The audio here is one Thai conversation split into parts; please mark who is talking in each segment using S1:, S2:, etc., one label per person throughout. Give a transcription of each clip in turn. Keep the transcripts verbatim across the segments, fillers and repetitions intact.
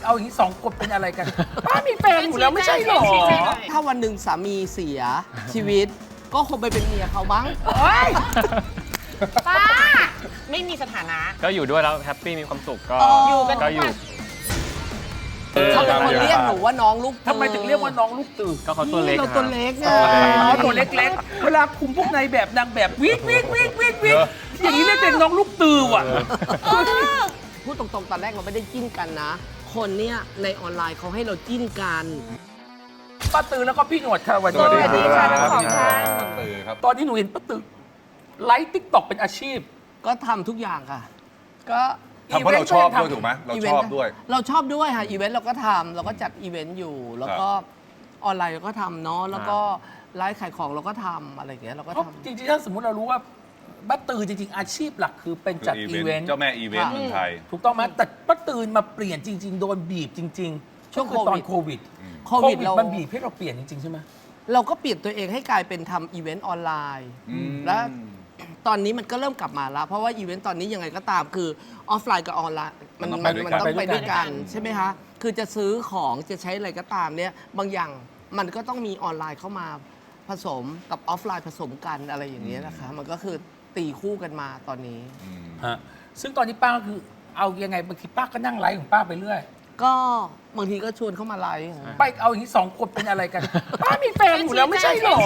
S1: เอาอย่างนี้สองคนเป็นอะไรกันป้ามีแฟนอยู่แล้วไม่ใช่หรอ
S2: ถ้าวันหนึ่งสามีเสียชีวิตก็คงไปเป็นเมียเขามั้ง
S3: ป้าไม่มีสถานะ
S4: ก็อยู่ด้วยแล้วแฮปปี้มีความสุขก็
S3: อยู่กัน
S4: ก็อยู่
S2: เขาเป็นคนเรียกหนูว่าน้องลูก
S1: ทำไมถึงเรียกว่าน้องลูกตื่น
S4: ก็เขาตัวเล็ก
S2: เราตัวเล็กไง
S1: ตัวเล็กๆเวลาคุมพวกในแบบนางแบบวิ่งวิ่งวิ่งวิ่งวิ่งอย่างนี้เรียกเป็นน้องลูกตื่นว่ะ
S2: พูดตรงๆตอนแรกเราไม่ได้จิ้นกันนะคนเนี่ยในออนไลน์เขาให้เราจิ้นกัน
S1: ป้าตือแล้วก็พี่หนวดค่ะวัน
S3: นี้สวัสดีค่ะทั้งสองท่าน
S1: ตอนนี้หนูเห็นป้าตือไลฟ์ติ๊กต็อกเป็นอาชีพ
S2: ก็ทำทุกอย่างค่ะก็
S5: ทำเพราะเราชอบด้วยถูกไหมเราชอบด้วย
S2: เราชอบด้วยค่ะอีเวนต์เราก็ทำเราก็จัดอีเวนต์อยู่แล้วก็ออนไลน์เราก็ทำเนาะแล้วก็ไลฟ์ขายของเราก็ทำอะไรอย่างเงี้ยเราก็ทำ
S1: จริงๆถ้าสมมติเรารู้ว่าป้าตือจริงๆอาชีพหลักคือเป็นจัดอีเวนต์
S5: เจ้าแม่อีเวนต์เมืองไทย
S1: ถูกต้องไหมแต่ป้าตือมาเปลี่ยนจริงๆโดนบีบจริงๆช่วงตอนโควิด
S2: โควิดเรา
S1: มันบีบให้เราเปลี่ยนจริงๆใช่ไหม
S2: เราก็เปลี่ยนตัวเองให้กลายเป็นทำอีเวนต์ออนไลน์แล้วตอนนี้มันก็เริ่มกลับมาแล้วเพราะว่าอีเวนต์ตอนนี้ยังไงก็ตามคือออฟไลน์กับออนไลน์มันมันมันต้องไปด้วยกันใช่ไหมคะคือจะซื้อของจะใช้อะไรก็ตามเนี่ยบางอย่างมันก็ต้องมีออนไลน์เข้ามาผสมกับออฟไลน์ผสมกันอะไรอย่างเงี้ยนะคะมันก็คือตีคู่กันมาตอนนี้
S1: ฮะซึ่งตอนนี้ป้าก็คือเอายังไงบางทีป้าก็นั่งไลฟ์ของป้าไปเรื่อย
S2: ก็บางทีก็ชวนเข้ามาไลฟ์
S1: ไปเอาอย่างนี้สองคนเป็นอะไรกันป้ามีแฟนอยู่แล้วไม่ใช่หรอ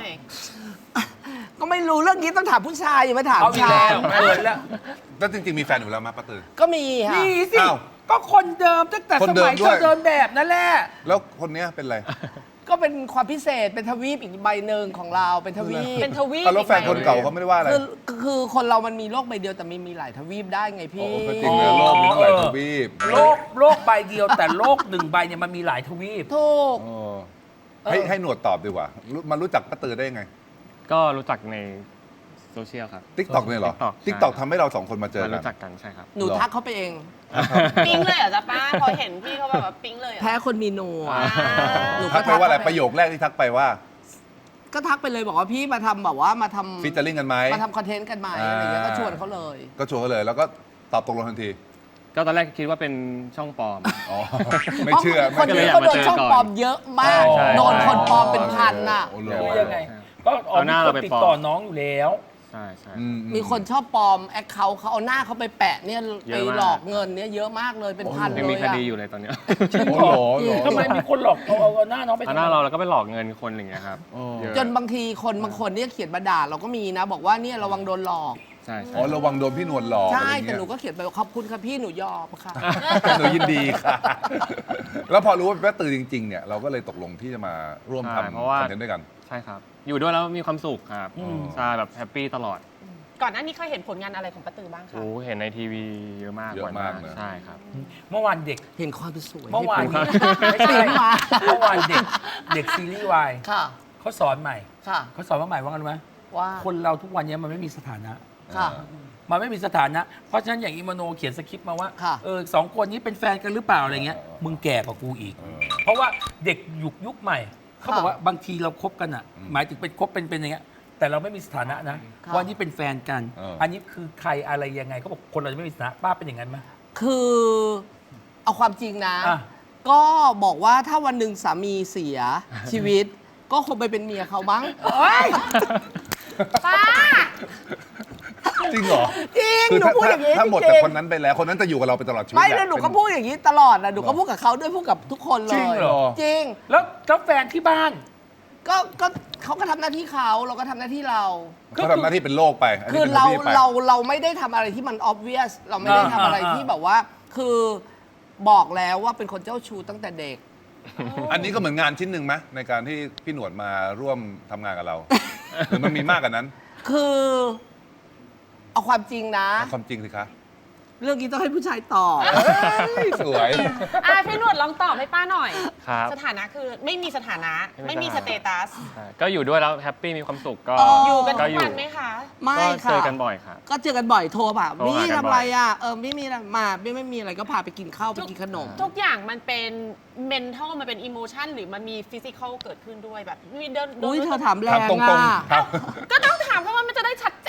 S2: ก็ไม่รู้เรื่องนี้ต้องถามผู้ชายอย่ามาถาม
S1: ชายเกินแล้ว
S5: แล้วจริงๆมีแฟนอยู่แล้วมั้ยป้าตือ
S2: ก็มีค่ะ
S1: มีสิก็คนเดิมตั้งแต่สมัยเดิมแบบนั่นแหละ
S5: แล้วคนนี้เป็นอะไร
S2: ก็เป็นความพิเศษเป็นทวีปอีกใบหนึ่งของเราเป็นทวีป
S3: เป็นทวีป
S5: แล้วแฟนคนเก่าเขาไม่ได้ว่าอะไร
S2: คือคือคนเรามันมีโลกใบเดียวแต่มีมีหลายทวีปได้ไงพี่
S5: จริงนะโลกมีหลายทวีป
S1: โลกโลกใบเดียวแต่โลกหนึ่งใบเนี่ยมันมีหลายทวีป
S2: ถูก
S5: ให้ให้หนวดตอบดีกว่ามันรู้จักป้าตือได้ยังไง
S4: ก็รู้จักในโซเชียลครับ
S5: ติ๊กต็อกเนี่ยเหรอติ๊กต็อกทำให้เราสองคนมาเจอกัน
S4: รู้จักกันใช่ครับ
S2: หนูทักเขาไปเอง
S3: ปิ๊งเลยเหรอจ๊ะป้าพอเห็นพี่เขาแบบว่าปิ๊งเลย
S2: แพ้คนมีหนวด
S5: หนูทักไปว่าอะไรประโยคแรกที่ทักไปว่า
S2: ก็ทักไปเลยบอกว่าพี่มาทำแบบว่ามาทำ
S5: ฟีเจอริ่งกันไหม
S2: มาทำคอนเทนต์กันไหมอะไรอย่างเงี้ยก็ชวนเขาเลย
S5: ก็ชวนเขาเลยแล้วก็ตอบตกลงทันที
S4: ก็ตอนแรกคิดว่าเป็นช่องปลอม
S5: อ๋อไม่เชื่อ
S2: คนนี้ก็โดนช่องปลอมเยอะมากโดนคนปลอมเป็นพันน่ะ
S1: ยังไงก็เอาหน้าเราไปติดต่อน้องอยู่แล้ว
S4: ใช่ใช่
S2: มีคนชอบปลอมแอคเคาท์เขาเอาหน้าเขาไปแปะเนี่ยไปหลอกเงินเนี่ยเยอะมากเลยเป็นพันเลย
S4: ยังมีคดีอยู่เลยตอนนี้
S1: จริงเหรอทำไมมีคนหลอกเอาเอาหน้าน้องไป
S4: เอาหน้าเราแล้วก็ไปหลอกเงินคนอย่างเงี้ยครับ
S2: จนบางทีคนบางคนเนี่ยเขียนมาด่าเราก็มีนะบอกว่าเนี่ยระวังโดนหลอก
S4: ใช่
S5: อ๋อระวังโดนพี่หนวดหลอก
S2: ใช่แต่หนูก็เขียนไปขอบคุณค่ะพี่หนูยอมค่ะ
S5: หนูยินดีค่ะแล้วพอรู้ว่าเป็นป้าตือจริงๆเนี่ยเราก็เลยตกลงที่จะมาร่วมทำคอนเทนต์ด้วยกัน
S4: ใช่ครับอยู่ด้วยแล้วมีความสุขครับใช่แบบแฮปปี้ตลอด
S3: ก่อนหน้านี้เคยเห็นผลงานอะไรของป้าตือบ้างคะ
S4: โอ้เห็นในทีวีเยอะมาก
S5: เยอะมาก
S4: ใช่ครับ
S1: เมื่อวานเด็ก
S2: เห็นความสวย
S1: เมื่อวานไม่ใช่เมื่อวานเด็กเด็กซีรีส์วายเขาสอนใหม่เขาสอนว่าใหม่ว่ากันไหม
S2: ว่า
S1: คนเราทุกวันนี้มันไม่มีสถานะมันไม่มีสถานะเพราะฉะนั้นอย่างอิมโนเขียนสคริปต์มาว่าเออสองคนนี้เป็นแฟนกันหรือเปล่าอะไรเงี้ยมึงแก่กว่ากูอีกเพราะว่าเด็กยุคยุคใหม่เขาบอกว่าบางทีเราคบกันอ่ะหมายถึงเป็นคบเป็นเป็นอย่างเงี้ยแต่เราไม่มีสถานะนะว่านี่เป็นแฟนกันอันนี้คือใครอะไรยังไงเขาบอกคนเราจะไม่มีสถานะป้าเป็นอย่างนั้นไหม
S2: คือเอาความจริงนะก็บอกว่าถ้าวันหนึ่งสามีเสียชีวิตก็คงไปเป็นเมียเขามั้ง
S3: ป้า
S5: จริงเหรอ
S2: จริงหนูพูดอย่างนี้
S5: ถ้าหมดจากคนนั้นไปแล้วคนนั้นจะอยู่กับเราไปตลอดชีวิต
S2: ไม่เลยหนูก็พูดอย่างนี้ตลอดนะหนูก็พูดกับเขาด้วยพูดกับทุกคนเลยจริง
S1: เหรอ
S2: จริง
S1: แล้วก็แฟนที่บ้าน
S2: ก็ก็เขาก็ทำหน้าที่เขาเราก็ทำหน้าที่เรา
S5: เขาทำหน้าที่เป็นโลกไป
S2: คือเราเราเราไม่ได้ทำอะไรที่มัน obvious เราไม่ได้ทำอะไรที่แบบว่าคือบอกแล้วว่าเป็นคนเจ้าชู้ตั้งแต่เด็ก
S5: อันนี้ก็เหมือนงานชิ้นหนึ่งไหมในการที่พี่หนวดมาร่วมทำงานกับเราหรือมันมีมากกว่านั้น
S2: คือเอาความจริงนะ
S5: ความจริงสิคะ
S2: เรื่องนี้ต้องให้ผู้ชายตอบ
S5: สวย
S3: อ่ะพี่หนวดลองตอบให้ป้าหน่อย
S4: ครับ
S3: สถานะคือไม่มีสถานะไม่มีสเตตัส
S4: ก็อยู่ด้วยแล้วแฮปปี้มีความสุขก็
S3: อยู่กันทุกวันไหมคะ
S2: ไม่ค่ะ
S4: เจอกันบ่อยค่ะ
S2: ก็เจอกันบ่อยโทรป่ะมี่ทำอะไรอ่ะเออไม่มีอะไรมาไม่ไม่มีอะไรก็พาไปกินข้าวไปกินขนม
S3: ทุกอย่างมันเป็นเมนทัลมันเป็นอิโมชันหรือมันมีฟิสิกอลเกิดขึ้นด้วยแบบมีเดิน
S2: อุ้ยเธอถามแรงอ่ะ
S3: ก็ต้องถามเพราะว่ามันจะได้ชัดเจ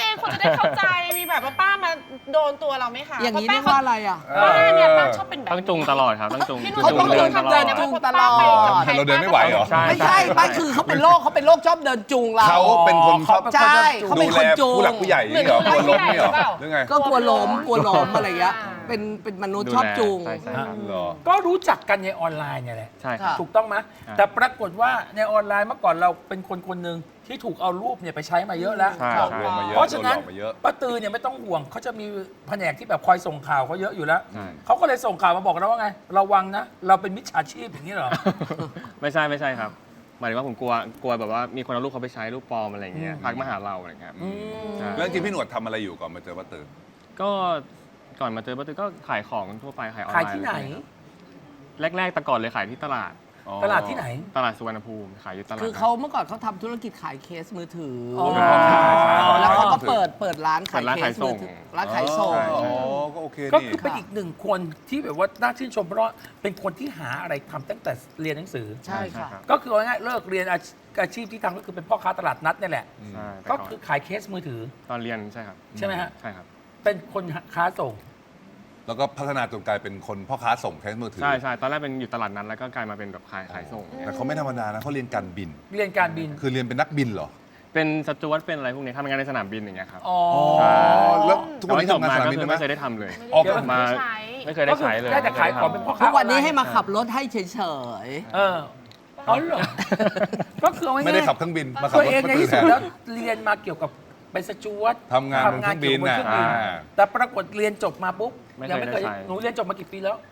S3: คนจะได้เข้าใจมีแบบว่าป้ามาโดนตัวเราไหมคะ
S2: อย่างนี้
S3: เพ
S2: เรีย
S3: ระ
S2: กว่าอะไรอ่ะ
S3: ป้าเนี่ยป้าชอบเป็นแบบ
S4: ต้องจุงตลอดครับต้องจุง
S3: พี่หนุ่ม
S2: เขาต้อง
S4: เดินตลอ
S2: เดิ
S4: ด
S2: นจูงตลอด
S5: แต่เราเดินไม่ไหวเหรอ
S4: ใช่
S2: ไม่ใช่ไม่คือเขาเป็นโรคเขาเป็นโรคชอบเดินจูงเรา
S5: เขาเป็นคนชอบ
S2: ใช่เขาเป็นคนจูง
S5: ผู้หลักผู้ใหญ่นี่เหรอกลัวล้มนี่เหรอหรือไง
S2: ก็กลัวล้มกลัวล้มอะไรเงี้ยเป็นเป็นมนุษย์ชอบจูง
S4: ใช่ใช่ครับ
S5: เหรอ
S1: ก็รู้จักกันในออนไลน์เนี่ยแหละ
S4: ใช่ครับ
S1: ถูกต้องไหม
S4: ครับ
S1: แต่ปรากฏว่าในออนไลน์เมื่อก่อนเราเป็นคนคนหนึ่งที่ถูกเอารูปเนี่ยไปใช้มาเยอะแล้ว
S4: ใช่
S5: หลอกลวงมาเยอะ
S1: เพราะฉะนั้น
S5: โดนหลอกมาเยอะ
S1: ป้าตือเนี่ยไม่ต้องห่วงเขาจะมีแผนกที่แบบคอยส่งข่าวเขาเยอะอยู่แล้ว
S4: ใช่
S1: เขาก็เลยส่งข่าวมาบอกเราว่าไง ระวังนะ เราเป็นมิจฉาชีพอย่างนี้เหรอ
S4: ไม่ใช่ไม่ใช่ครับหมายถึงว่าผมกลัวกลัวแบบว่ามีคนเอารูปเขาไปใช้รูปปลอมอะไรอย่างเงี้ยทักมาหาเราอะไรอย่างเงี้ย
S1: อืม
S4: ใช่
S5: แล้วจริงๆพี่หนวดทำอะไรอยู่ก่อนมาเจอป้าตือ
S4: ก็ก่อนมาเจอป้าตือก็ขายของทั่วไปขายออนไลน์
S1: ขายที่ไหน
S4: แรกๆแต่ก่อนเลยขายที่ตลาด
S1: ตลาดที่ไหน
S4: ตลาดสุวรรณภูมิขายอยู่ตลาด
S2: คือเขาเมื่อก่อนเขาทำธุรกิจขายเคสมือถืออ
S1: อ
S5: เป็นพ่อค้า
S2: แล้วเขาก็เปิดเปิดร้านขาย
S4: เปิดร้าน
S2: เค
S4: ขา
S2: ส
S4: ยส่
S2: มือง ถือร้านขายส่ง
S5: อ๋อก็โอเค
S1: ก็
S5: นี่
S1: คือเป็นอีกหนึ่งคนที่แบบว่าน่าชื่นชมเพราะว่าเป็นคนที่หาอะไรทำตั้งแต่เรียนหนังสือ
S2: ใช่ค่ะ
S1: ก็คือเอาง่ายๆเลิกเรียนอาชีพอาชีพที่ทำก็คือเป็นพ่อค้าตลาดนัดนี่แหละ
S4: ใช่แต่
S1: ก็
S4: ก่อน
S1: คือขายเคสมือถือ
S4: ตอนเรียนใช่ครับ
S1: ใช่ไหมฮะ
S4: ใช่ครับ
S1: เป็นคนค้าส่ง
S5: แล้วก็พัฒนาจนกลายเป็นคนพ่อค้าส่งแทนมือถือ
S4: ใช่ใช่ตอนแรกเป็นอยู่ตลาดนั้นแล้วก็กลายมาเป็นแบบขายขายส่ง
S5: แต่เขาไม่ธรรมดานะเขาเรียนการบิน
S1: เรียนการบิน
S5: คือเรียนเป็นนักบินเหรอ
S4: เป็นสจวตเป็นอะไรพวกนี้ทำงานในสนามบินอย่างเงี้ยครับ
S1: อ๋อ
S4: ใช่
S5: แล้วทุกวันนี้
S4: จบ
S5: ทำงาน
S4: มา
S5: สนาม
S4: ก็
S5: บิน
S4: คือ
S5: ได้ไหม
S4: ไม่เคยได้ทำเลย
S5: ออก
S1: เดี๋ยว
S4: มา
S3: ใช้
S4: ไม่เคยได้ใช้เลย
S1: ได้แต่ขายของเป็นพ่อค้า
S2: ทุกวันนี้
S1: ออไล
S2: ให้มาขับรถให้เฉย
S1: เอออ๋อเหรอ ก็คือเอาง่ายๆ
S5: ไม่ได้ขับเครื่องบินมาขับ
S1: ตัว
S5: รถ
S1: เอง
S5: ป้า
S1: ใน
S5: ตือ
S1: ที่
S5: แท
S1: สุด
S5: น
S1: แล้วเรียนมาเกี่ยวกับเป็นสจวต
S5: ทำงานบนเครื่องบิน
S1: ทำงา
S5: น่ะ
S1: เกี่ยวกับเครื่องบิน
S5: อ่า
S1: แต่ปรากฏเรียนจบมาปุ๊บ
S4: ไม่
S1: ยั
S4: เคย
S1: ไม่เคย
S4: ได้ใช้
S1: หนูเรียนจบมากี่ปีแล้ว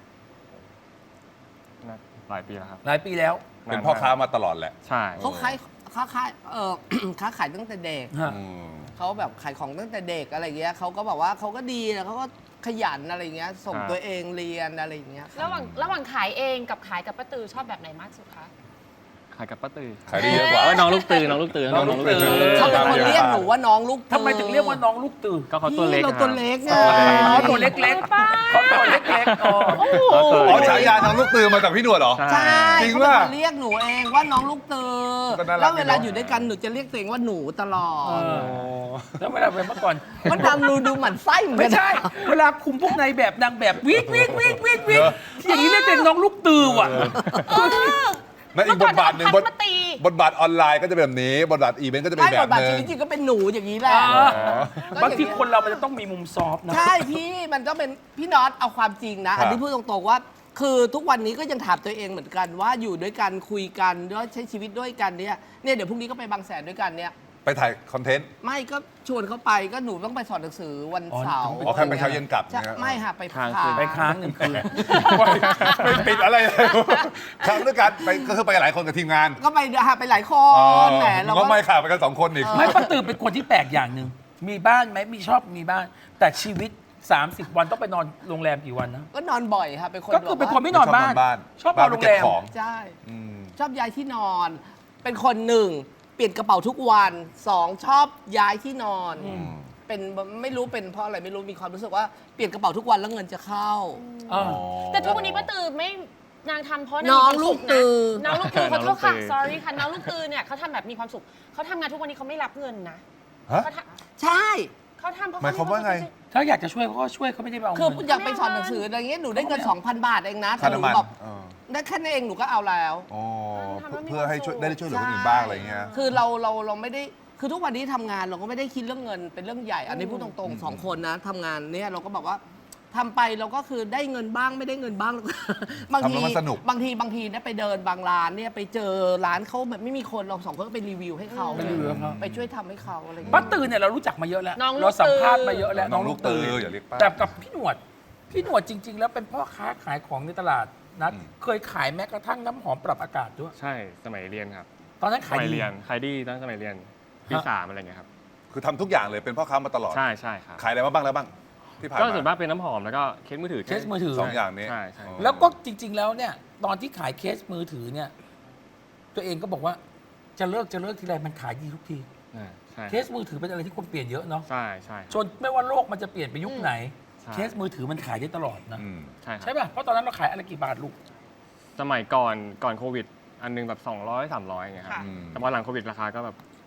S4: หลายปีแล้วครับ
S1: หลายปีแล้ว
S5: เป็นพ่อค้ามาตลอดแหละ
S4: ใช่
S2: ๆเขาขายค้าขายเออ ค้าขายตั้งแต่เด็ก
S1: ฮะ
S5: อืม
S2: เขาแบบขายของตั้งแต่เด็กอะไรเงี้ยเขาก็บอกว่าเขาก็ดีนะเขาก็ขยันอะไรเงี้ยส่งตัวเองเรียนอะไรอย่างเงี้ยค่ะ
S3: ระหว่างระหว่างขายเองกับขายกับป้าตือชอบแบบไหนมากสุดคะ
S4: ขายกับป้าตือ
S5: ขายได้เยอะกว่า
S4: เอ้ยน้องลูกตือน้องลูกตือ
S1: น้องลูกตือ
S2: เขาเป็นคนเรียกหนูว่าน้องลูกตือ
S1: ทำไมถึงเรียกว่าน้องลูกตือ
S4: ก็เขาตัวเล็ก
S2: พี่เราตัวเล็กไง
S1: อ๋อตัวเล็กๆเขาตัวเล็กๆอ๋อ
S4: เขาตัว
S5: อ๋อ
S4: เล็ก
S5: ฉายาน้องลูกตือมาจากพี่หนวดเหรอ
S2: ใช่
S5: จริง
S2: เขาเป็น
S5: ป่ะ
S2: คนเรียกหนูเองว่าน้องลูกตือ
S5: ก็น่ารัก
S2: แล้วเวลา
S5: ดีเนอะ
S2: อยู่ด้วยกันหนูจะเรียกตัวเองว่าหนูตลอด
S1: เออ แล้วเวลาไปเมื่อก่อน
S2: มันดำดูดูหมันไส้เหมือน
S1: ไม่
S2: กัน
S1: ใช่ เวลาคุมพวกนายแบบนางแบบวิกวิกวิกวิกวิกอย่างนี้เรียกเป็นน้องลูกตือว่ะ
S5: นั่นอีกบทบาทหนึ่งบ
S3: เมื่
S5: ท
S3: อก่อนเอาพัดมาตี
S5: บทบาทออนไลน์ก็จะเป็นแบบนี้ บทบาทอีเวนต์ก็จะเป็น
S2: ไม่
S5: แบบ
S2: บทบาท
S5: หนึ
S2: ชี
S5: ง
S2: วิตจริงก็เป็นหนูอย่างนี้แหละ
S1: อ่า
S5: อ๋อ
S1: บางทีคนเรามันจะต้องมีมุมซอฟต์นะ
S2: ใช่พี่มันก็เป็นพี่น็อตเอาความจริงนะ
S5: ครับ
S2: อันนี้พูดตรงๆว่า คือทุกวันนี้ก็ยังถามตัวเองเหมือนกันว่าอยู่ด้วยกันคุยกันด้วยใช้ชีวิตด้วยกันเนี่ยเนี่ยเดี๋ยวพรุ่งนี้ก็ไปบางแสนด้วยกันเนี่ย
S5: ไปถ่ายคอนเทนต์
S2: ไม่ก็ชวนเขาไปก็หนูต้องไปสอนหนังสือวันเสาร์
S5: อ๋อแค่ไปเช้าเย็นกลับ
S2: จะ
S5: เนี่ย
S2: ไม่ค่ะไป
S4: ค้าง
S2: ค้
S4: คืน
S1: ไปค้างหนึ่งคืน
S5: ไม่ปิดอะไรเลยครั้งด้วยกันไปก็คือไปกับหลายคนกับทีมงาน
S2: ก็ไปหาไปหลายค
S5: อ๋อน
S2: แหมเรา
S5: ก็
S2: ก็
S5: ไม่ข่าวไปกันสองคนอีก
S1: ไม่ป้าตือเป็นคนที่แปลกอย่างหนึ่ง มีบ้านไหมมีชอบมีบ้าน แต่ชีวิต สามสิบ วันต้องไปนอนโรงแรมกี่วันนะ
S2: ก็นอนบ่อยค่ะเป็นคน
S1: ก็คือเป็นคนไม่นอนบ้าน
S5: บ้าน
S1: ชอบนอนโรงแรม
S5: บ้านไปเก็บของ
S2: ใช่
S5: อืม
S2: ชอบย้ายที่นอน เป็นคนหนึ่งเปลี่ยนกระเป๋าทุกวันสองชอบย้ายที่นอน
S1: อืม
S2: เป็นไม่รู้เป็นเพราะอะไรไม่รู้มีความรู้สึกว่าเปลี่ยนกระเป๋าทุกวันแล้วเงินจะเข้า
S1: อ่า
S3: แต่ทุกวันนี้ป้าตือไม่นางทำเพราะาง
S2: น้อง
S3: มีความ
S2: ลู
S3: สุ
S2: ก
S3: ข
S2: ตื
S3: นะ
S2: อ
S3: น้องลูกตือขอโทษค่ะ
S4: น้องลูกตือ
S3: sorry ค่ะน้องลูกตือเนี่ยเขาทำแบบมีความสุขเขาทำงานทุกวันนี้เขาไม่รับเงินนะ
S5: ฮะ
S3: เขาท
S2: ใช่
S3: ำเขาทำเพราะ
S5: หมายความว่าไง
S1: ถ้าอยากจะช่วยเขาก็ช่วยเขาไม่ได้เอา
S2: คือ
S1: เงิน
S2: อยากไปสอนหนังสืออะไรเงี้ยหนูได้เงิน 2,000 บาทเองนะแต่
S5: ค่า
S2: หนู
S5: น้ำมัน
S2: แบบ
S5: เออ
S2: ได้แค่นั้นเองหนูก็เอาแล้ว
S5: อ๋อเพื่อให้ช่วยได้ช่วยเหลือคนอื่นบ้างอะไรเงี้ย
S2: คือเราเราเราไม่ได้คือทุกวันนี้ทำงานเราก็ไม่ได้คิดเรื่องเงินเป็นเรื่องใหญ่ อันนี้พูดตรงๆสองคนนะทำงานเนี่ยเราก็บอกว่าทำไปเราก็คือได้เงินบ้างไม่ได้เงินบ้าง บางที
S5: ทำแล้วมันสนุก
S2: บางทีบางทีเนี่ยไปเดินบางร้านเนี่ยไปเจอร้านเขาแบบไม่มีคนเราสองคนก็ไปรีวิวให้เขา
S1: ไปรีวิวให้เขา
S2: ไปช่วยทำให้เขาอะไรอย่าง
S1: ป้า
S2: เงี้ย
S1: ตือเนี่ยเรารู้จักมาเยอะแล้ว
S3: น้องลูก
S1: เราสัมภาษณ์
S3: ตือ
S1: มาเยอะแล้ว
S5: น้องลูกตืออย่าเรียกป้า
S1: แต่กับพี่หนวด พี่หนวดจริง ๆ แล้วเป็นพ่อค้าขายของในตลาดนะ
S5: อืม
S1: เคยขายแม้กระทั่งน้ำหอมปรับอากาศด้วย
S4: ใช่สมัยเรียนครับ
S1: ตอนนั้น
S4: ส
S1: ขาย
S4: มัย
S1: ดี
S4: เรียนขายดีตั้งสมัยเรียนปี
S1: ฮะ
S4: สามอะไรเงี้ยครับ
S5: คือทำทุกอย่างเลยเป็นพ่อค้ามาตลอด
S4: ใช่ใช่ครับ
S5: ขายอะไรมาบ้างแล้วบ้าง ที่ผ่าน
S4: ก็
S5: มา
S4: ส่วนมากเป็นน้ำหอมแล้วก็เคสมือถือ
S1: เคสมือถือ
S5: สองอย่างนี้
S4: ใช่ใช่
S5: อ๋อ
S1: แล้วก็จริง ๆ แล้วเนี่ย ตอนที่ขายเคสมือถือเนี่ย ตัวเองก็บอกว่าจะเลิกจะเลิกทีไรมันขายดีทุกที
S4: อ่าใช่
S1: เคสมือถือเป็นอะไรที่คนเปลี่ยนเยอะเนาะ
S4: ใช่ใช่
S1: จนไม่ว่าโลกมันจะเปลี่ยนไปยุคไหน
S4: ใช่
S1: เคสมือถือมันขายได้ตลอดนะ
S5: อืม
S4: ใช่ค
S1: ใช่
S4: รับ
S1: ป่ะ เพราะตอนนั้นเราขายอะไรกี่บาทลูก
S4: สมัยก่อนก่อนโควิด อันหนึงแบบ สองร้อย สามร้อยอย่างเงี้ยครับ
S3: ค่ะ
S5: อืม
S4: แต่พอหลังโควิดราคาก็แบบ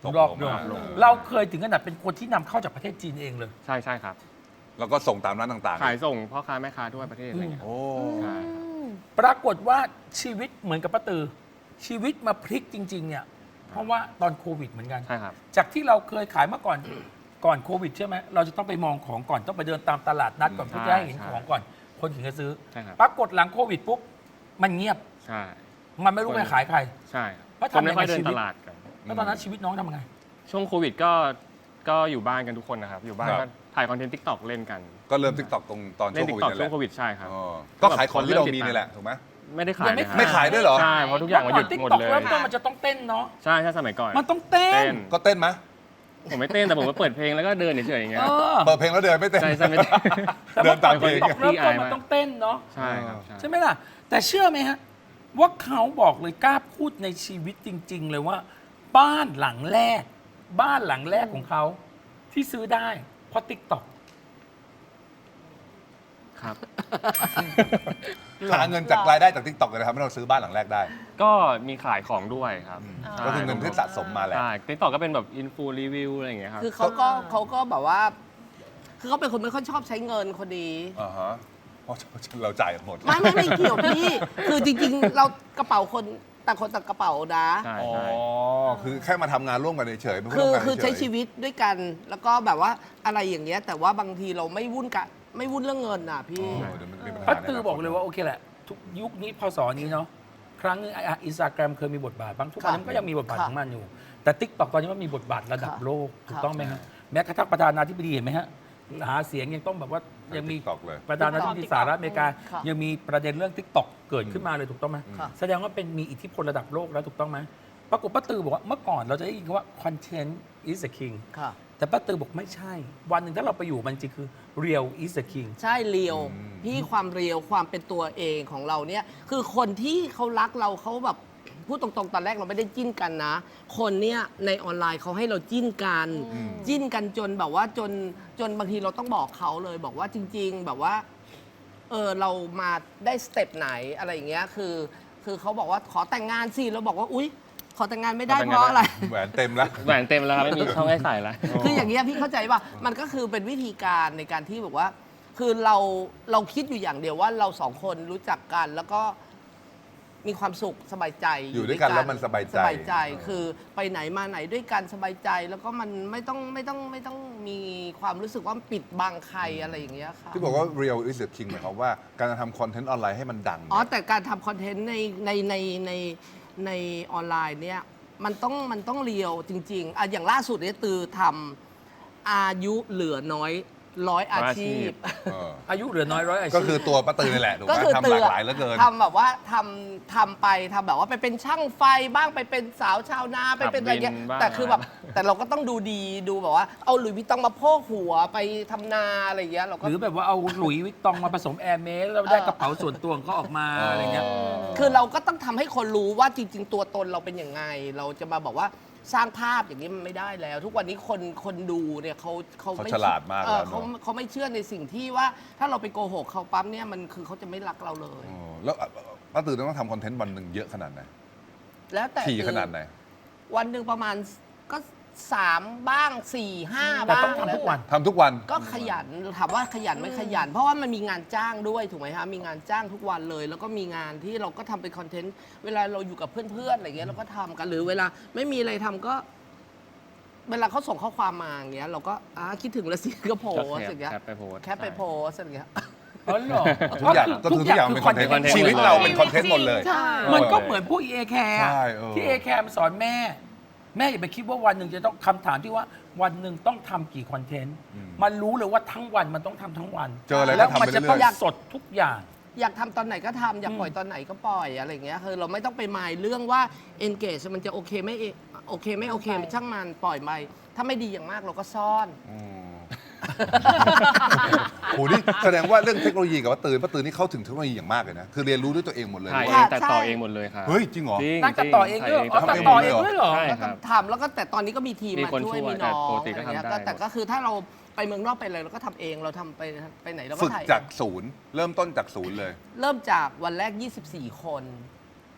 S5: ตก
S1: รอบ
S5: ลง
S1: ลง
S5: มา
S1: เราเคยถึงขนาดเป็นคนที่นำเข้าจากประเทศจีนเองเลย
S4: ใช่ใช่ครับ
S5: แล้วก็ส่งตามร้านต่างๆ
S4: ขายส่งพ่อค้าแม่ค้าทั่วประเทศอะไรอย่างเงี้ยครับ
S5: โอ้
S4: ใช่
S1: ปรากฏว่าชีวิตเหมือนกับป้าตือ ชีวิตมาพลิกจริง ๆ เนี่ย เพราะว่าตอนโควิดเหมือนกัน
S4: ใช่ครับ
S1: จากที่เราเคยขายเมื่อก่อน ก่อนโควิดใช่ไหมเราจะต้องไปมองของก่อนต้องไปเดินตามตลาดนัดก่อน
S4: ใช่
S1: เพื่อจะให้เห็น
S4: ใช่
S1: ของก่อน คนถึงจะซื้อ
S4: ใช่ครับ
S1: ปรากฏหลังโควิดปุ๊บมันเงียบ
S4: ใช่
S1: มันไม่รู้ไปขายใคร
S4: ใช่ครับ
S1: เพราะ
S4: คน
S1: ทำ
S4: ไม่ค่อย
S1: ยังไง
S4: เดิน
S1: ชีวิ
S4: ต
S1: ต
S4: ลาดกัน
S1: แล้วตอนนั้นชีวิตน้องทำไง
S4: ช่วงโควิดก็ก็อยู่บ้านกันทุกคนนะครับ อยู่บ้าน
S5: ครั
S4: ก็
S5: บ
S4: ถ่ายคอนเทนต์ทิกตอกเล่นกัน
S5: ก็เริ่มทิกตอกตรงตอน
S4: เล่
S5: ช่วน ง
S4: ทิ
S5: โค
S4: ก
S5: วิด
S4: ตอก
S5: นี่แห
S4: ช่ว
S5: ละ
S4: งโควิดใช่ครับ
S5: อ๋อก็ขายของที่เรามีนี่แหละถูกไหม
S4: ไม่ได้ขาย
S1: ยังไม่
S4: นะครับ
S5: ไม่ขายด้วยเหรอ
S4: ใช่เพราะทุกอย่างมันหยุด
S1: ติ๊ก
S4: หมด
S1: ต็อก
S4: เลย
S1: เริ่มต้นมันจะต้องเต้นเนาะ
S4: ใช่ใช่สมัยก่อน
S1: มันต้องเต้
S4: เต้
S1: น
S4: น
S5: ก็เต้นไหม
S4: ผมไม่เต้นแต่ผมก็เปิดเพลงแล้วก็เดินเฉยๆอย่างเงี้
S1: เอย อ
S5: เปิดเพลงแล้วเดินไม่เต้น
S4: ใช่ใช่ไม่เต้น
S1: แต่
S5: เดิ
S1: เมื่อน ก่
S5: ตา
S1: อน
S5: มเพล
S1: ติ๊
S5: ง
S1: กต็อกเริ่มต้นมันต้องเต้นเนาะ
S4: ใช่ครับใช่
S1: ใช่ไหมล่ะ แต่เชื่อไหมฮะ ว่าเขาบอกเลยกล้าพูดในชีวิตจริง ๆ เลยว่า บ้านหลังแรก บ้านหลังแรกของเขาที่ซื้อได้ เพราะติ๊กต็อก
S4: ครับ
S5: หาเงินจากรายได้จากทิกตอกเลยนะครับให้เราซื้อบ้านหลังแรกได้
S4: ก็มีขายของด้วยครับใช่
S5: ก็คือเงินที่สะสมมาแหละ
S4: ใช่ติ๊กต็อกก็เป็นแบบอินฟูรีวิวอะไรอย่างเงี้ยครับ
S2: คือเขาก็เขาก็แบบว่า คือเขาเป็นคนไม่ค่อยชอบใช้เงินคนดี
S5: อ่าฮะเพราะเราจ่ายหมด
S2: ไม่ไม่ไม่เกี่ยวพี่ คือจริงๆ เรากระเป๋าคนต่างคนต่างกระเป๋านะ
S4: ใช่
S5: อ๋อ
S4: ใช่
S5: คือแค่มาทำงานร่วมกันเฉยๆไม่
S2: คื
S5: ร่ว
S2: อ
S5: มกัน
S2: คือ
S5: เฉ
S2: ใช้
S5: ย
S2: ชีวิตด้วยกัน แล้วก็แบบว่าอะไรอย่างเงี้ย แต่ว่าบางทีเราไม่วุ่นกะไม่วุ่นเรื่องเงินอ่ะพี่
S5: โอ้เดี๋ยวมันมีปัญหา
S1: ป้าตือบอกเลยว่าโอเคแหละ ทุกยุคนี้พศนี้เนาะครั้งนึงอินสตาแกรมเคยมีบทบาทบางทุกวันนี้มันก็ยังมีบทบาท
S2: ค่ะ
S1: ของมันอยู่ แต่ติ๊กต็อกตอนนี้มันมีบทบาทระดับ
S2: ค่ะ
S1: โลกถูก
S2: ค่ะ
S1: ต้องไหมฮะแม้กระทั่งประธานาธิบดีเห็นไหมฮะหาเสียงยังต้องแบบว่ายังมี
S5: ติ๊กตอกเลย
S1: ประธานาธิบดีสหรัฐอเมริกา
S2: ค่ะ
S1: ยังมีประเด็นเรื่องติ๊กต็อกเกิดขึ้นมาเลยถูกต้องไหม
S2: ค่ะ
S1: แสดงว่าเป็นมีอิทธิพลระดับโลกแล้วถูกต้องไหมปรากฏป้าตือบอกว่าเมื่อก่อนเราจะได้ยินคำว่า content is the king
S2: ค่ะ
S1: แต่ป้าตือบอกไม่ใช่ วันหนึ่งถ้าเราไปอยู่มันจริงคือ real is the king
S2: ใช่เรียว
S5: อืม
S2: พี่ความเรียวความเป็นตัวเองของเราเนี่ย คือคนที่เขารักเราเขาแบบพูดตรงๆ ตอนแรกเราไม่ได้จิ้นกันนะ คนเนี่ยในออนไลน์เขาให้เราจิ้นกัน จิ้นกันจนแบบว่าจนจนบางทีเราต้องบอกเขาเลยบอกว่าจริง ๆ แบบว่าเออเรามาได้สเต็ปไหนอะไรอย่างเงี้ยคือ คือเขาบอกว่าขอแต่งงานสิเราบอกว่าอุ๊ย ขอแต่งงานไม่ได้
S4: ขอแต่ง
S2: เพ
S4: งาน
S2: ราะอะไร
S5: แหวนเต็มแล้ว
S4: แหวนเต็มแล้วครับไม่มีช่องให้ใส่แล้ว
S2: คืออย่างเงี้ยพี่เข้าใจป่ะ มันก็คือเป็นวิธีการในการที่แบบว่า คือเราเราคิดอยู่อย่างเดียวว่าเราสองคนรู้จักกัน แล้วก็มีความสุขสบายใจ
S5: อยู่ด้วยกันแล้วมันสบายใจ
S2: สบายใจคือไปไหนมาไหนด้วยกันสบายใจ แล้วก็มันไม่ต้องไม่ต้องไม่ต้องมีความรู้สึกว่าปิดบังใครอะไรอย่างเงี้ยค่ะ
S5: ที่บอกว่า real is the king หมายความว่าการจะทำคอนเทนต์ออนไลน์ให้มันดัง
S2: อ๋อ
S5: เนี่ย
S2: แต่การทำคอนเทนต์ในในในในในออนไลน์เนี่ยมันต้องมันต้องเรียวจริงๆอ่ะอย่างล่าสุดเนี่ยตือทำอายุเหลือน้อยร้อยอาชีพ
S5: เออ
S1: อายุเหลือน้อยร้อยอาชีพ
S5: ก็คือตัวป้าตือนี่แหละถูกไห
S2: ก็
S5: ม
S2: คือ
S5: ทำ
S2: ตื
S5: ห
S2: อ
S5: ลากหลายเหลือเกิน
S2: ทำแบบว่าทำทำไปทำแบบว่าไปเป็นช่างไฟบ้างไปเป็นสาวชาวนาไปเป็นอะไรเงี้ย
S4: ขับวินบ้าง
S2: แต่คือแบบแต่เราก็ต้องดูดีดูแบบว่าเอาหลุยส์วิตตองมาโพกหัวไปทำนาอะไรเงี้ยเราก็
S1: หรือแบบว่าเอาหลุยส์วิตตองมาผสมแอร์เมสแล้วได้กระเป๋าส่วนตัวของเขาออกมาอะไรเงี้ย
S2: คือเราก็ต้องทำให้คนรู้ว่าจริง ๆ ตัวตนเราเป็นยังไง เราจะมาบอกว่าสร้างภาพอย่างนี้มันไม่ได้แล้ว ทุกวันนี้คนคนดูเนี่ยเขาเขา
S5: เขา
S2: ไม่
S5: ฉลาดมาก
S2: เออ
S5: แล้วเนอะ
S2: เขาเขาไม่เชื่อในสิ่งที่ว่าถ้าเราไปโกหกเขาปั๊บเนี่ยมันคือเขาจะไม่รักเราเลย
S5: อ๋อแล้วป้าตือต้องทำคอนเทนต์วันหนึ่งเยอะขนาดไหน
S2: แล้วแต่
S5: ถี่ขนาดไหน
S2: วันหนึ่งประมาณก็สามบ้างสี่ห้า
S1: แต่
S2: บ้าง
S1: ต้องทำทุกวัน
S5: ทำทุกวัน
S2: ก็ขยันถามว่าขยันไม่ขยัน เพราะว่ามันมีงานจ้างด้วยถูกไหมคะมีงานจ้างทุกวันเลย แล้วก็มีงานที่เราก็ทำเป็นคอนเทนต์เวลาเราอยู่กับเพื่อนๆอะไรเงี้ยเราก็ทำกันหรือเวลาไม่มีอะไรทำก็ เวลาเขาส่งข้อความมาอย่างเงี้ยเราก็อ่าคิดถึงแล้วสิก็โพสต์อย่างเงี้ย
S4: แคปไปโพสต์
S2: แคปไปโพสต์อย่างเงี้ย
S1: อ๋อเหรอ
S5: ทุกอย่างก็คือทุกอย่างเป็นคอนเทนต์
S4: content
S5: ชีวิตเราเป็นคอนเทนต์หมดเลย
S3: ใช่
S1: มันก็เหมือนพวกเอแคร์
S5: ใช่เออ
S1: ที่เอแคร์มันสอนแม่ แม่อย่าไปคิดว่าวันหนึ่งจะต้องคำถามที่ว่าวันหนึ่งต้องทำกี่คอนเทนต์ มันรู้เลยว่าทั้งวันมันต้องทำทั้งวัน
S5: เจออะไรก็
S1: แล้ว
S5: ทำไป
S1: มันจะ
S5: เรื่
S1: ต้อง
S5: อย
S1: สดทุกอย่าง
S2: อยากทำตอนไหนก็ทำอยากปล่อยตอนไหนก็ปล่อยอะไรเงี้ยคือเราไม่ต้องไปหมายเรื่องว่า engage มันจะโอเคไม่โอเคไม่โอเคช่างมันปล่อยไปถ้าไม่ดีอย่างมากเราก็ซ่อน
S5: ๆอืมโหนี่แสดงว่าเรื่องเทคโนโลยีกับป้าตือป้าตือนี่เข้าถึงเทคโนโลยีอย่างมากเลยนะ คือเรียนรู้ด้วยตัวเองหมดเลย
S4: ถ่ายเอ
S2: ค่ะ
S4: งตัดต่อเองหมดเลยครับ
S5: เฮ้ยจริงเหรอ
S4: จริง
S1: นักตัดต่อเองด้วยเหรออ๋อ
S4: ถ่าย
S1: ตัดต่อเองด้วยเหรอ
S4: ใช่
S2: แล้ว
S4: ค
S2: ก็
S4: รับ
S2: ทำแล้วก็แต่ตอนนี้ก็มีทีม
S4: มี
S2: มา
S4: คน
S2: ช่วย
S4: ช่วย
S2: มีน้อง
S4: แต่ปกติ
S2: อะไร
S4: ก็ทำ
S2: เงี้ย
S4: ได้
S2: ก็แต่ก็คือถ้าเราไปเมืองนอกไปอะไรเราก็ทำเองเราทำไปไปไหนเราก็
S5: ฝึก
S2: ถ่าย
S5: จากศูนย์ เริ่มต้นจากศูนย์เลย
S2: เริ่มจากวันแรก ยี่สิบสี่ คน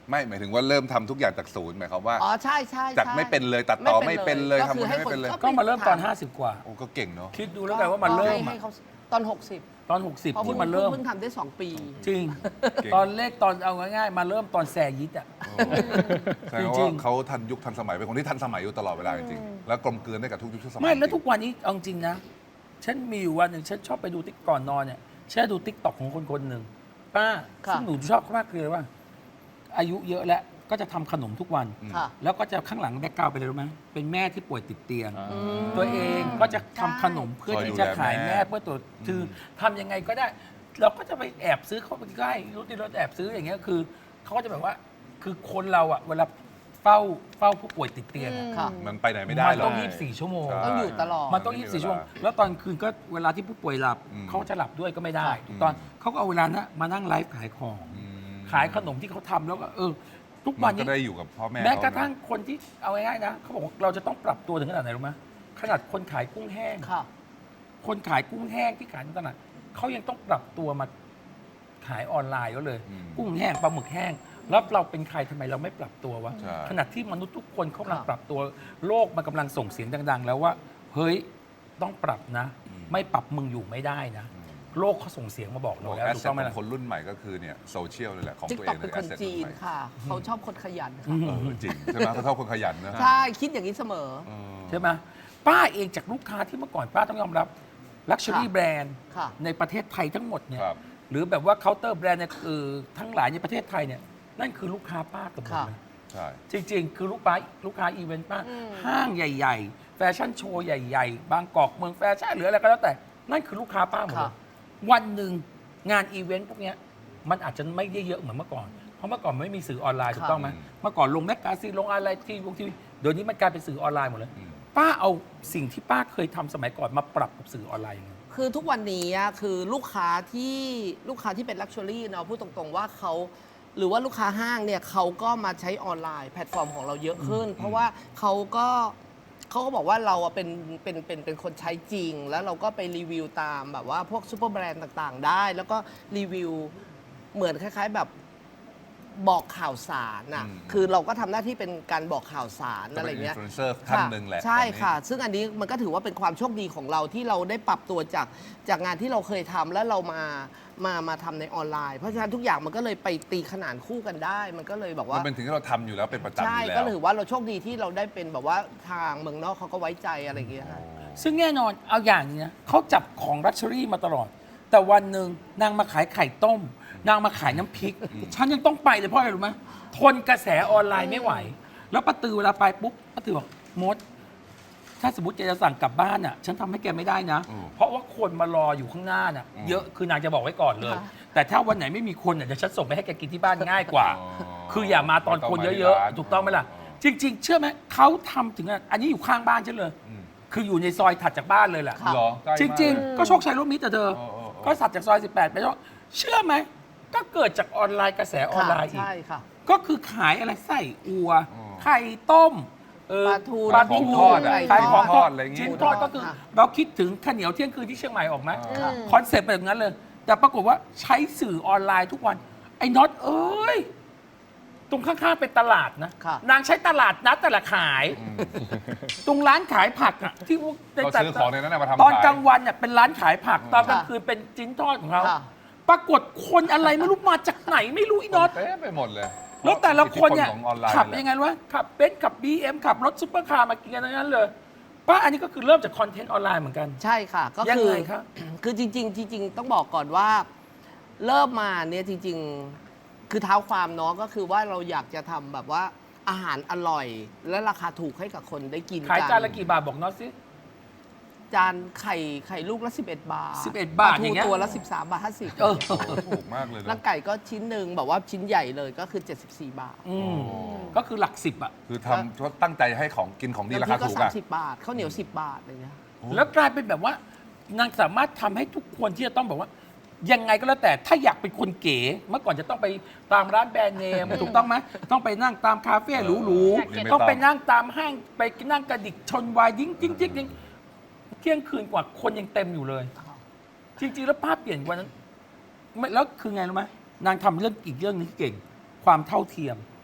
S5: ไม่หมายถึงว่าเริ่มทำทุกอย่างจากศูนย์หมายความว่า
S2: อ๋อใช่ใช่
S5: จาก
S2: ใช่
S5: ไม่เป็นเลยตัดต่อไม่เป็นเลย
S2: ก็
S5: ทำ
S2: คือ
S5: คน
S2: ให้
S5: ไม่
S2: คน
S5: เป็นเลย
S1: ก็มาเริ่มตอน ห้าสิบ กว่า
S5: โอ้ก็เก่งเนาะ
S1: คิดดูแล้วกันว่ามันเริ่ม
S2: ให้
S1: อะ
S2: เขาตอน หกสิบ
S1: ตอน หกสิบ
S2: เพราะ
S1: ที่มันเริ่ม
S2: เพิ่งทำได้สองปี
S1: จริง
S5: เก่ง
S1: ตอนเลขตอนเอาง่ายๆ มาเริ่มตอนแซยิดอ่ะ
S5: แสดง
S1: จริ
S5: ว่าง
S1: ๆ
S5: เขาทันยุคทันสมัยเป็นคนที่ทันสมัยอยู่ตลอดเวลาจริงๆแล้วกลมกลืนได้กับทุกยุคทุกสมัย
S1: ไม่แล้ว
S5: จริง
S1: ทุกวันนี้เอาจริงนะ ฉันมีอยู่วันหนึ่งฉันชอบไปดูติ๊กก่อนนอนเนี่ยฉันดูติ๊กต็อกของคนคนหนึ่งป้า
S2: ค่ะ
S1: ซึ่งหนูชอบมากเลยว่า อายุเยอะแล้วก็จะทำขนมทุกวัน
S2: ค่ะ
S1: แล้วก็จะข้างหลังแบ็กกราวด์ไปเลยรู้ไหมเป็นแม่ที่ป่วยติดเตียง
S4: อ่า
S1: ตัวเองก็จะทำขนมเพื่อที่จะขายแม่เพื่อตัวคือทำยังไงก็ได้ เราก็จะไปแอบซื้อเขาไปใกล้รู้ที่เราแอบซื้ออย่างเงี้ยคือเขาก็จะแบบว่าคือคนเราอะเวลาเฝ้าเฝ้าผู้ป่วยติดเตียงอะ
S2: ค่ะ
S5: มันไปไหนไม่ได้
S1: มัน
S5: หรอ
S1: ต้อก งยี่สิบสี่ชั่วโมง
S5: ใช่
S2: ต้องอยู่ตลอด
S1: มันต้องยี่สิบสี่ชั่วโมงแล้วตอนคืนก็เวลาที่ผู้ป่วยหลับ
S5: อืม
S1: เขาจะหลับด้วยก็ไม่ได้
S2: ค่ะ
S1: ถูกตอนเขาก็เอาเวลานั้นมานั่งไลฟ์ขายของ
S5: อืม
S1: ขายขนมที่เขาทำแล้วก็เออ ทุก
S5: มั
S1: วัน
S5: นก็
S1: นี้
S5: ได้อยู่กับพ่อแม่
S1: แม้กระ
S5: เขาน
S1: ทั่งคนที่เอาง่ายๆนะเขาบอกว่าเราจะต้องปรับตัวถึงขนาดไหนรู้ไหมขนาดคนขายกุ้งแห้ง
S2: ค่ะ
S1: คนขายกุ้งแห้งที่ขายในตลาดเขายังต้องปรับตัวมาขายออนไลน์ก็เลย
S5: อืม
S1: กุ้งแห้งปลาหมึกแห้งแล้วเราเป็นใครทำไมเราไม่ปรับตัววะ
S5: ใช่
S1: ขณะที่มนุษย์ทุกคนเขากำลัง
S2: ค่ะ
S1: ปรับตัวโลกมันกำลังส่งเสียงดัง ๆ แล้วว่า เฮ้ยต้องปรับนะ ไม่ปรับมึงอยู่ไม่ได้นะ
S5: อืม
S1: โลกเขาส่งเสียงมาบอกเรา
S5: บอก
S1: แล้ว
S5: แอส
S1: ถูก
S5: เซท
S1: ต้องไหม
S5: ขอ
S1: ล่ะ
S5: งคนรุ่นใหม่ก็คือเนี่ยโซเชียลเลยแหละของ
S2: ติ๊ก
S5: ตัว
S2: ต็
S5: เอ
S2: อก
S5: ง
S2: เป็น
S5: แอ
S2: ค
S5: ส
S2: น
S5: เซท
S2: จีนค่ะ เขาชอบคนขยันค่ะ
S5: เออจริงใช่ไหมเขาชอบคนขยันนะ
S2: ใช่ คิดอย่างนี้เสมอ
S5: เออ
S1: ใช่ไหมป้าเองจากลูกค้าที่เมื่อก่อนป้าต้องยอมรับลักชัวรี่
S2: ค่ะ
S1: แบรนด์
S2: ค่ะ
S1: ในประเทศไทยทั้งหมดเนี่ย
S5: ครับ
S1: หรือแบบว่าเคาน์เตอร์แบรนด์เนี่ยคือทั้งหลายในประเทศไทยเนี่ยนั่นคือลูกค้าป้าเกับหมด
S2: ค่ะ
S1: เลย
S5: ใช่
S1: จริง ๆ คือลูกค้าลูกค้าอีเวนต์ป้า
S3: อืม
S1: ห้างใหญ่ ๆ แฟชั่นโชว์ใหญ่ ๆ บางกอกเมืองแฟชั่นหรืออะไรก็แล้วแต่ นั่นคือลูกค้าป้าหมดเลย
S2: ค่ะ
S1: วันหนึ่งงานอีเวนต์พวกเนี้ยมันอาจจะไม่ได้เยอะเหมือนเมื่อก่อน เพราะเมื่อก่อนไม่มีสื่อออนไลน์ถูกต้องไหม
S5: อืม
S1: เมื่อก่อนลงแมกกาซีนลงอะไรทีวงทีวีเดี๋ยวนี้มันกลายเป็นสื่อออนไลน์หมดเลย
S5: อืม
S1: ป้าเอาสิ่งที่ป้าเคยทำสมัยก่อนมาปรับกับสื่อออนไลน์ยังไง
S2: คือทุกวันนี้อะคือลูกค้าที่ลูกค้าที่เป็นลักชัวรี่เนาะพูดตรงๆว่าเขาหรือว่าลูกค้าห้างเนี่ยเขาก็มาใช้ออนไลน์แพลตฟอร์มของเราเยอะขึ้น เพราะว่าเขาก็เขาก็บอกว่าเราอะเป็นเป็นเป็นเป็นคนใช้จริง แล้วเราก็ไปรีวิวตามแบบว่าพวกซูเปอร์แบรนด์ต่างๆ ได้ แล้วก็รีวิวเหมือนคล้าย ๆแบบบอกข่าวสารน่ะ
S5: อืม
S2: คือเราก็ทำหน้าที่เป็นการบอกข่าวสาร
S5: ก็
S2: อะไร
S5: เป็นอิน
S2: เงี้ย
S5: ฟลูเอนเซอร์ท่านหนึ่งแหละ
S2: ใช่
S5: ตอนนี้
S2: ค่ะ ซึ่งอันนี้มันก็ถือว่าเป็นความโชคดีของเราที่เราได้ปรับตัวจากจากงานที่เราเคยทำแล้วเรามามามาทำในออนไลน์ เพราะฉะนั้นทุกอย่างมันก็เลยไปตีขนานคู่กันได้ มันก็เลยแบบ
S5: มั
S2: ว่า
S5: นเป็นถึงที่เราทำอยู่แล้วเป็นประจำอ
S2: ใช่
S5: ยู่แล้ว
S2: ก็ถือว่าเราโชคดีที่เราได้เป็นแบบว่าทางเมืองนอกเขาก็ไว้ใจอะไรอย่างเงี้ยค่ะ
S1: ซึ่งแน่นอนเอาอย่างนี้นะเขาจับของรัชเชอรี่มาตลอด แต่วันหนึ่งนางมาขายไข่ต้ม นางมาขายน้ำพริก ฉันยังต้องไปเลยเพราะอะไรรู้ไหมทนกระแสออนไลน์ไม่ไหว แล้วป้าตือเวลาไปปุ๊บป้าตือบอกมด ถ้าสมมติแกจะสั่งกลับบ้านอ่ะ ฉันทำให้แกไม่ได้นะ
S5: อืม
S1: เพราะว่าคนมารออยู่ข้างหน้าน่ะ
S5: อืม
S1: เยอะคือนางจะบอกไว้ก่อนเลย
S2: ค่ะ
S1: แต่ถ้าวันไหนไม่มีคนอ่ะเดี๋ยวฉันส่งไปให้แกกินที่บ้านง่ายกว่า
S5: อ๋อ
S1: คืออย่ามาตอนคนเยอะๆ ถูกต้องไหมล่ะ จริง ๆ เชื่อไหมเขาทำถึงอ่ะอันนี้อยู่ข้างบ้านฉันเลย
S5: อืม
S1: คืออยู่ในซอยถัดจากบ้านเลยแหละ
S2: ค่ะ
S5: เหรอใกล้
S1: จ
S5: มาก
S1: ริง
S5: เลย
S1: ๆ ก็โชคชัยร่วมมิตรแต่เธอ
S5: เออเออเออ
S1: ก็สัตว์จากซอยสิบแปดไปแล้วเชื่อไหม ก็เกิดจากออนไลน์กระแสออนไลน์อีก
S2: ใช่ค่ะ
S1: ก็คือขายอะไรไส้อัว
S5: อ๋อ
S1: ไข่ต้มเออ
S2: ปลาทู
S1: ปลา
S5: ของ
S1: ทู
S5: ทอดอะ
S1: ขายของทอด
S5: อะไรอย่างงี้
S1: ชิ้นทอดก็คือ
S2: ค่ะ
S1: เราคิดถึงข้าวเหนียวเที่ยงคืนที่เชียงใหม่ออกไหม
S5: อ่า
S1: คอนเซ็ปต์เป็นอย่างนั้นเลย แต่ปรากฏว่าใช้สื่อออนไลน์ทุกวัน ไอ้น็อตเอ้ย ตรงข้างๆเป็นตลาดนะ
S2: ค่ะ
S1: นางใช้ตลาดนัดแต่ละขาย ตรงร้านขายผักอะที่พวก
S5: เราซื้อของในนั้นนะมาทำ
S1: ตอน
S5: ขาย
S1: กลางวันเนี่ยเป็นร้านขายผัก ตอนกลาง
S2: ค่ะ
S1: คืนเป็นจิ้นทอดของเขา
S2: ค่ะ
S1: ปรากฏคนอะไรไม่รู้มาจากไหนไม่รู้อีน็อต
S5: เต็มไปหมดเลย
S1: แล้วแต่ละคนเนี่ย
S5: อิทธิพลของออนไลน์
S1: ขับ
S5: นี่แหละ
S1: ยังไงวะขับเบนซ์ขับ บี เอ็ม ขับรถซุปเปอร์คาร์มากินกันทั้งนั้นเลยป้าอันนี้ก็คือเริ่มจากคอนเทนต์ออนไลน์เหมือนกัน
S2: ใช่ค่ะ ก็
S1: ยัง
S2: คือ
S1: ไงครับ
S2: คือจริง ๆ จริง ๆ ต้องบอกก่อนว่า เริ่มมาเนี่ยจริง ๆ คือเท้าความเนาะก็คือว่าเราอยากจะทำแบบว่าอาหารอร่อย และราคาถูกให้กับคนได้กิน
S1: ขาย
S2: กัน
S1: จานละกี่บาทบอกน็อตสิ
S2: จานไข่ไข่ลูกละ สิบเอ็ด บาท
S1: สิบเอ็ดบาท
S2: ปลทู
S1: อย่างเงี้ย
S2: ตัวละ สิบสาม บาท ห้าสิบ
S1: เออ
S5: ถูกมากเลยนะ
S2: แล้วไก่ก็ชิ้นหนึ่งแบบว่าชิ้นใหญ่เลยก็คือ เจ็ดสิบสี่ บาท
S1: อืม
S5: โอ้
S1: ก็คือหลักสิบอะ
S5: คือทำก็ตั้งใจให้ของกินของดีรา
S2: น้ำพริ
S5: คาก
S2: ก็
S5: ถูก
S2: สาม
S5: อะ
S2: สิบบาทข้าวเหนียวสิบบาทอะไรเงี้ย
S1: แล้วกลายเป็นแบบว่านางสามารถทำให้ทุกคนที่จะต้องบอกว่า ยังไงก็แล้วแต่ถ้าอยากเป็นคนเก๋ เมื่อก่อนจะต้องไปตามร้านแบรนด์เนม ถูกต้องไหมต้องไปนั่งตามคาเฟ่หรู
S5: นี่ไม่
S1: ๆต้องไป
S5: ต้อง
S1: นั่งตามห้างไปนั่งกระดิกชนวายดิ้งจิ้งจิ้งจิ้งเที่ยงคืนกว่าคนยังเต็มอยู่เลย จริงๆแล้วภาพเปลี่ยนกว่านั้นไม่แล้วคือไงรู้ไหมนางทำเรื่องอีกเรื่องหนึงที่เก่ง ความเท่าเทียม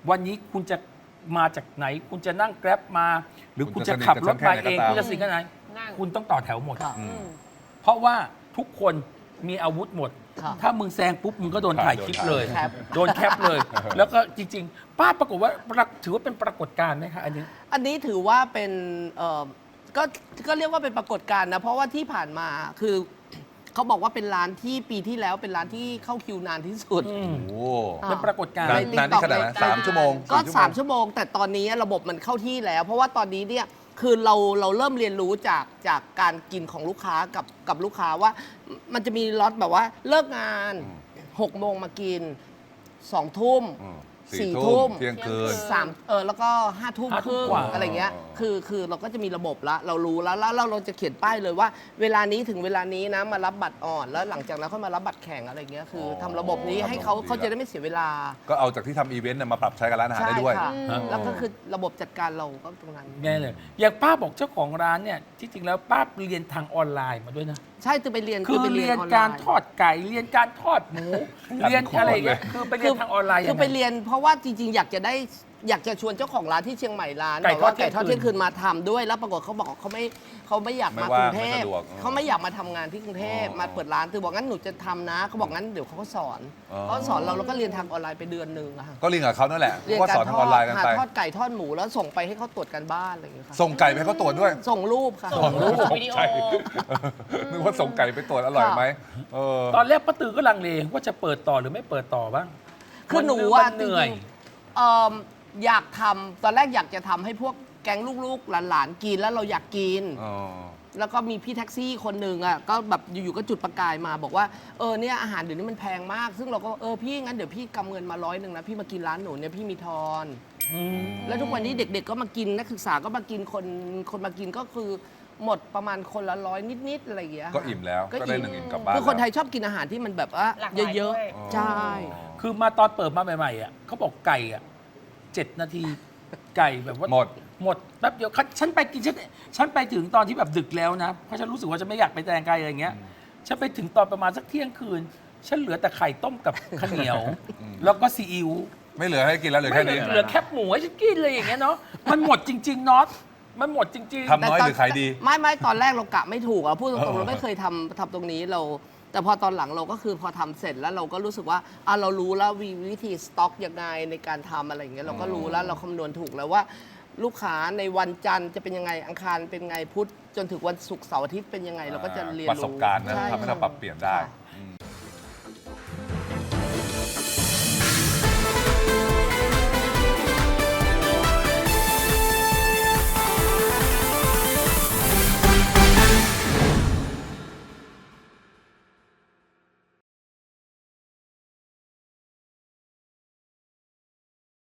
S1: วันนี้คุณจะมาจากไหน คุณจะนั่งแกร็บมา หรือ
S5: คุ
S1: คุณ
S5: ณ
S1: จะ
S5: จะ
S1: ขับรถมา
S5: สนิทกับฉันแค่ไหน
S1: เอง
S5: ก็ตาม
S1: คุณจะสิ่งกันไหน
S3: นั่ง
S1: คุณต้องต่อแถวหมด
S2: ค่ะ
S5: อืม
S1: เพราะว่าทุกคนมีอาวุธหมด
S2: ค่ะ
S1: ถ้ามึงแซงปุ๊บมึงก็โดนถ่ายคลิปเลย
S2: แคป
S1: โดนแคปเลย แล้วก็จริง ๆ ป้าปรากฏว่าถือว่าเป็นปรากฏการณ์ไหมคะอันนี้
S2: อันนี้ถือว่าเป็นเอ่อก็ก็เรียกว่าเป็นปรากฏการณ์นะ เพราะว่าที่ผ่านมาคือเขาบอกว่าเป็นร้านที่ปีที่แล้วเป็นร้านที่เข้าคิวนานที่สุด
S1: อืม
S5: โอ้
S2: อ่า
S1: เป็นปรากฏการณ์
S5: นาน
S2: ใน
S5: นานนี่
S2: TikTok
S5: ขนาดนั้น
S2: ใน
S5: สามชั่วโมง
S2: ก็
S5: สี่
S2: สามชั่วโมง แต่ตอนนี้ระบบมันเข้าที่แล้ว เพราะว่าตอนนี้เนี่ยคือเราเราเริ่มเรียนรู้จากจากการกินของลูกค้ากับกับลูกค้าว่ามันจะมีล็อตแบบว่าเลิกงานหกโมงมากินสองทุ่ม
S5: อืม
S2: สี่
S5: สี่
S2: ทุ่
S5: ทุ่
S2: ม
S5: มเที่ยงคืน
S2: สามเออแล้วก็ห้าทุ่ม
S1: ห้า
S2: ค
S1: ทุ่ม
S2: รึ่ง
S1: กว่า
S2: อะไรเงี้ย
S5: อ๋อ
S2: คือคือเราก็จะมีระบบละเรารู้แล้วแล้วเราเราจะเขียนป้ายเลยว่า เวลานี้ถึงเวลานี้นะมารับบัตรอ่อน แล้วหลังจากนั้นค่อยมารับบัตรแข็งอะไรเงี้ยคืออ
S5: อ
S2: ทำระบบนี้ให้เขา
S5: ทำระบบดี
S2: เขาจะได้ไม่เสียเวลา
S5: ก็เอาจากที่ทำอีเวนต์เนี่ยมาปรับใช้กับร้านอาหาร
S2: ใช่
S5: ได้ด้วย
S2: ค่ะ
S1: อืม
S2: แล้วก็คือระบบจัดการเราก็ตรงนั้น
S1: แน่เลย อย่างป้าบอกเจ้าของร้านเนี่ย ที่จริงแล้วป้าเรียนทางออนไลน์มาด้วยนะ
S2: ใช่ตือไปเรียน
S1: คือ
S2: ไป
S1: เรียน
S2: ออนไล
S1: การ
S2: น์
S1: ทอดไก่ เรียนการทอดหมู เรียนอะไรอย่างเงี้ยคือไปเรียนทางออนไลน์
S2: คือ
S1: ยัง
S2: ไป
S1: ไง
S2: เรียนเพราะว่าจริง ๆ อยากจะได้อยากจะชวนเจ้าของร้านที่เชียงใหม่ร้าน
S1: ไก่
S2: แบบว่า
S1: ทอดเที่
S2: ไก่
S1: ยง
S2: ทอด
S1: คืน
S2: เที่ยงคืนมาทำด้วยแล้วปรากฏเขาบอกเขาไม่เขาไม่อยาก
S5: ไม่
S2: มากรุงเทพ
S5: ว่างไม่สะดวก
S2: เขาไม่อยากมาทำงานที่กรุงเทพ
S5: อ๋อ
S2: มาเปิดร้านตือบอกงั้นหนูจะทำนะเขาบอกงั้นเดี๋ยวเขาก็สอน
S5: อ๋อ
S2: เขาสอนเราแล้วก็เรียนทางออนไลน์ไปเดือนหนึ่งอะค่ะ
S5: ก็เรียนกับเขานั่นแหละ
S2: เรียน
S5: ก็
S2: การ
S5: สอน
S2: ท
S5: ทาง
S2: อ
S5: ออนไลน์
S2: ด
S5: กัน
S2: ค่ะ
S5: ไป
S2: ทอดไก่ทอดหมูแล้วส่งไปให้เขาตรวจกันบ้านอะไรอย่างเงี้ยค่ะ
S5: ส่งไก่ไปให้เขาตรวจด้วย
S2: ส่งรูปค่ะ
S3: ส่งรูปวิดีโอ
S5: ใช่นึกว่าส่งไก่ไปตรวจอร่อยไหมเออ
S1: ตอนแรกป้าตือก็ลังเลว่าจะเปิดต่อหรือไม่เปิดต่อบ้าง
S2: คือหนู
S1: มั
S2: ว่า
S1: เหนื่อย
S2: จริงๆเอิ่มอยากทำตอนแรกอยากจะทำให้พวกแก๊งลูกๆหลานๆกินแล้วเราอยากกิน
S5: อ๋อ
S2: แล้วก็มีพี่แท็กซี่คนหนึ่งอ่ะก็แบบอยู่ๆก็จุดประกายมาบอกว่าเออเนี่ยอาหารเดี๋ยวนี้มันแพงมาก ซึ่งเราก็เออพี่งั้นเดี๋ยวพี่กำเงินมาร้อยหนึ่งนะพี่มากินร้านหนูเนี่ยพี่มีทอน
S1: อืม
S2: แล้วทุกวันนี้เด็กๆก็มากินนักศึกษาก็มากินคนคนมากินก็คือหมดประมาณคนละร้อยนิดๆอะไรอย่างเงี้ย
S5: ก็อิ่มแล้ว
S2: ก็
S5: ก็ได้
S2: อิ่ม
S5: หนึ่งอิ่มกลับบ้าน
S2: คือคนไท
S5: แล้ว
S2: ยชอบกินอาหารที่มันแบบว่า
S3: หลากหลาย
S2: เยอะ
S3: ด้วย
S2: ๆใช่
S1: คือมาตอนเปิดมาใหม่ๆอ่ะเขาบอกไก่อ่ะเจ็ดนาที ไก่แบบว่า
S5: หมด
S1: หมดแป๊บเดียวฉันฉันไปกินฉันฉันไปถึงตอนที่แบบดึกแล้วนะ เพราะฉันรู้สึกว่าฉันไม่อยากไปแตงไก่อะไรอย่างเงี้ย ฉันไปถึงตอนประมาณสักเที่ยงคืน ฉันเหลือแต่ไข่ต้มกับข้าวเหนียว แล้วก็ซีอิ๊ว
S5: ไม่เหลือให้กินแล้วเหลือ
S1: ไม่
S5: แค่
S1: เหลื
S5: นี้
S1: อเหลือแคบหมูให้ฉันกินเลยอย่างเงี้ยเนาะ มันหมดจริงๆน็อตมันหมดจริง
S5: ทำน้อยหรือขายดี
S2: ไม่ไม่ตอนแรกเรากะไม่ถูกอะพูดตรงๆเราไม่เคยทำทำตรงนี้เรา แต่พอตอนหลังเราก็คือพอทำเสร็จแล้วเราก็รู้สึกว่าอ่ะเรารู้แล้ววิวิธีสต็อกยังไงในการทำอะไรอย่างเงี้ยเราก็รู้แล้วเราคำนวณถูกแล้วว่า ลูกค้าในวันจันทร์จะเป็นยังไงอังคารเป็นไงพุธจนถึงวันศุกร์เสาร์อาทิตย์เป็นยังไงเราก็จะเรียน
S5: ประ
S2: รู้
S5: สบการณ์นะ
S2: ใช่
S5: ทำให้เราปรับเปลี่ยนได้
S2: ค่ะ